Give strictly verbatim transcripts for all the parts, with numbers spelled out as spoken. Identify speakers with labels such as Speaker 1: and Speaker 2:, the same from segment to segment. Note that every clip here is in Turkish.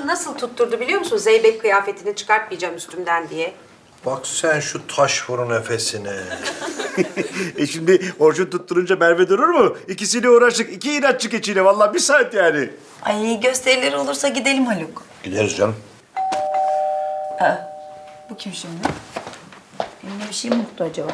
Speaker 1: nasıl tutturdu biliyor musun? Zeybek kıyafetini çıkartmayacağım üstümden diye.
Speaker 2: Bak sen şu taş fırın nefesine.
Speaker 3: E şimdi Orçun tutturunca Merve durur mu? İkisiyle uğraştık. İki inatçı keçiyle. Vallahi bir saat yani.
Speaker 4: Ay gösterileri olursa gidelim Haluk.
Speaker 2: Gideriz canım.
Speaker 4: Bu kim şimdi? Eline bir şey mi mutlu acaba?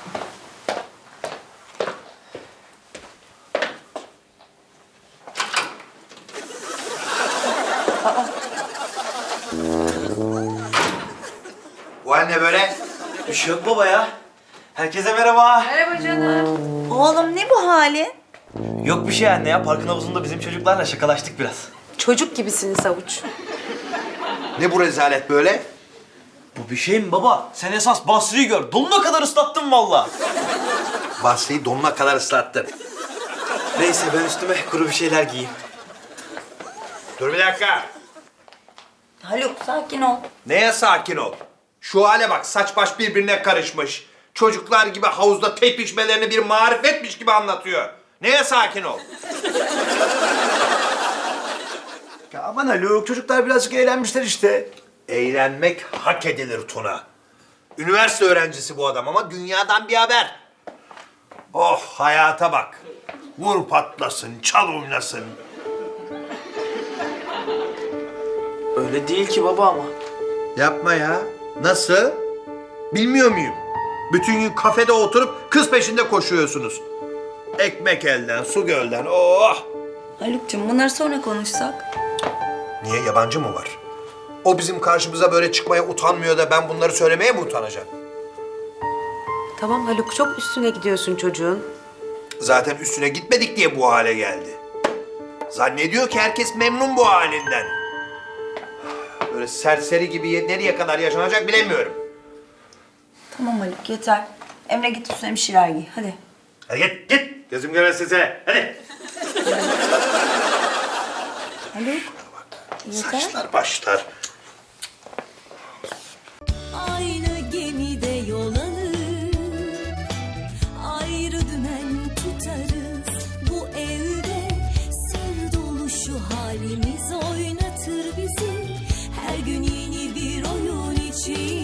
Speaker 2: Bu hal ne böyle?
Speaker 5: Bir şey yok baba ya. Herkese merhaba.
Speaker 1: Merhaba canım.
Speaker 4: Oğlum ne bu halin?
Speaker 5: Yok bir şey anne ya. Parkın havuzunda bizim çocuklarla şakalaştık biraz.
Speaker 1: Çocuk gibisiniz Avuç.
Speaker 2: Ne bu rezalet böyle?
Speaker 5: Bu bir şey mi baba? Sen esas Basri'yi gör. Donuna kadar ıslattın valla.
Speaker 2: Basri'yi donuna kadar ıslattın.
Speaker 5: Neyse ben üstüme kuru bir şeyler giyeyim.
Speaker 2: Dur bir dakika.
Speaker 4: Haluk sakin ol.
Speaker 2: Neye sakin ol? Şu hale bak, saç baş birbirine karışmış. Çocuklar gibi havuzda tepişmelerini bir marifetmiş gibi anlatıyor. Neye sakin ol?
Speaker 3: Ya aman Haluk, çocuklar birazcık eğlenmişler işte.
Speaker 2: Eğlenmek hak edilir Tuna. Üniversite öğrencisi bu adam ama dünyadan bir haber. Oh, hayata bak. Vur patlasın, çal oynasın.
Speaker 5: Öyle değil ki baba ama.
Speaker 2: Yapma ya. Nasıl? Bilmiyor muyum? Bütün gün kafede oturup kız peşinde koşuyorsunuz. Ekmek elden, su gölden. Oh!
Speaker 4: Haluk'cum bunları sonra konuşsak.
Speaker 2: Niye, yabancı mı var? O bizim karşımıza böyle çıkmaya utanmıyor da ben bunları söylemeye mi utanacağım?
Speaker 1: Tamam Haluk, çok üstüne gidiyorsun çocuğun.
Speaker 2: Zaten üstüne gitmedik diye bu hale geldi. Zannediyor ki herkes memnun bu halinden. Böyle serseri gibi nereye kadar yaşanacak bilemiyorum.
Speaker 4: Tamam Haluk yeter. Emre git üstüne bir şeyler giy hadi.
Speaker 2: Hadi git, git. Gözüm görmesin seni. Hadi.
Speaker 4: Haluk. Yeter.
Speaker 2: Saçlar başlar.
Speaker 6: Aynı gemide yol alır, ayrı dümen tutarız. Bu evde sır dolu şu halimiz oynatır bizi. Her gün yeni bir oyun için